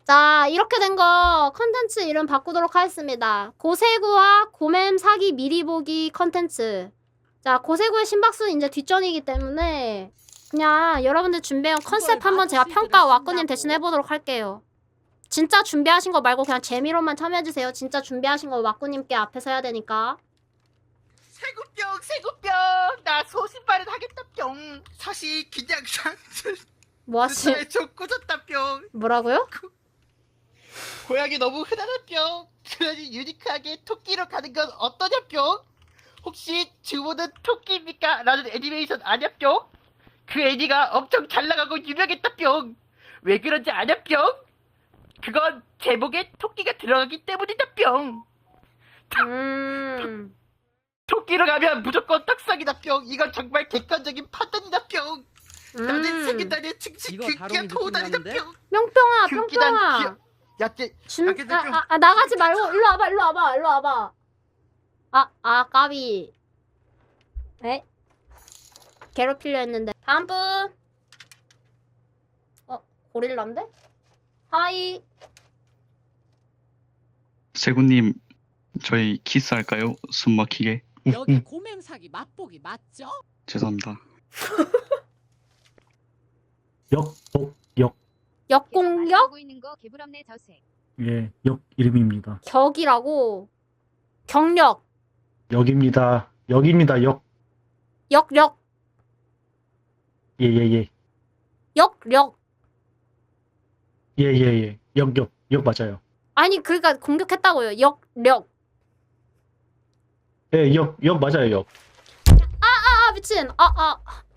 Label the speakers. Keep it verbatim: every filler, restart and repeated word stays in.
Speaker 1: 자, 이렇게 된 거 컨텐츠 이름 바꾸도록 하겠습니다. 고세구와 고맴 사기 미리 보기 컨텐츠. 자, 고세구의 심박수는 이제 뒷전이기 때문에 그냥 여러분들 준비한 컨셉 한번 제가 평가 와꾸님 대신 해보도록 할게요. 진짜 준비하신 거 말고 그냥 재미로만 참여해주세요. 진짜 준비하신 거 와꾸님께 앞에서 해야 되니까.
Speaker 2: 세구병 세구병 나 소신발은 하겠다 뿅. 사실 그냥
Speaker 1: 뭐 하시...
Speaker 2: 좀 꾸졌다 뿅.
Speaker 1: 뭐라고요?
Speaker 2: 고양이 너무 흔하다 뿅. 그러니 유니크하게 토끼로 가는 건 어떠냐 뿅. 혹시 주모는 토끼입니까? 라는 애니메이션 아냐 뿅. 그 애니가 엄청 잘 나가고 유명했다 뿅. 왜 그런지 아냐 뿅. 그건 제목에 토끼가 들어가기 때문이다 뿅.
Speaker 1: 음...
Speaker 2: 토끼로 가면 무조건 떡상이다 뿅. 이건 정말 객관적인 판단이다 뿅. 나는
Speaker 1: 음...
Speaker 2: 세계단의 증식 극기한 도우다니다 뿅.
Speaker 1: 뿅뿅아,
Speaker 2: 극기단
Speaker 1: 뿅뿅아.
Speaker 2: 기억. 야채.
Speaker 1: 준...
Speaker 2: 야, 근데 좀-
Speaker 1: 아, 아, 아, 나가지 말고 일로 와봐, 일로 와봐, 일로 와봐. 아, 아, 까비. 에? 괴롭히려 했는데. 다음 분. 어, 고릴라인데? 하이.
Speaker 3: 세구님, 저희 키스할까요? 숨 막히게.
Speaker 4: 여기 고맴사기 맛보기 맞죠?
Speaker 3: 죄송합니다.
Speaker 5: 역, 복, 역.
Speaker 1: 역공격?
Speaker 6: 보고 있는 거 개부럽네 저색.
Speaker 5: 예, 역 이름입니다.
Speaker 1: 격이라고. 경력.
Speaker 5: 역입니다. 역입니다. 역.
Speaker 1: 역력.
Speaker 5: 예, 예, 예.
Speaker 1: 역력.
Speaker 5: 예, 예, 예. 역, 역. 역 맞아요.
Speaker 1: 아니, 그러니까 공격했다고요. 역력.
Speaker 5: 예, 역, 역 맞아요, 역.
Speaker 1: 아, 미친. 아, 아.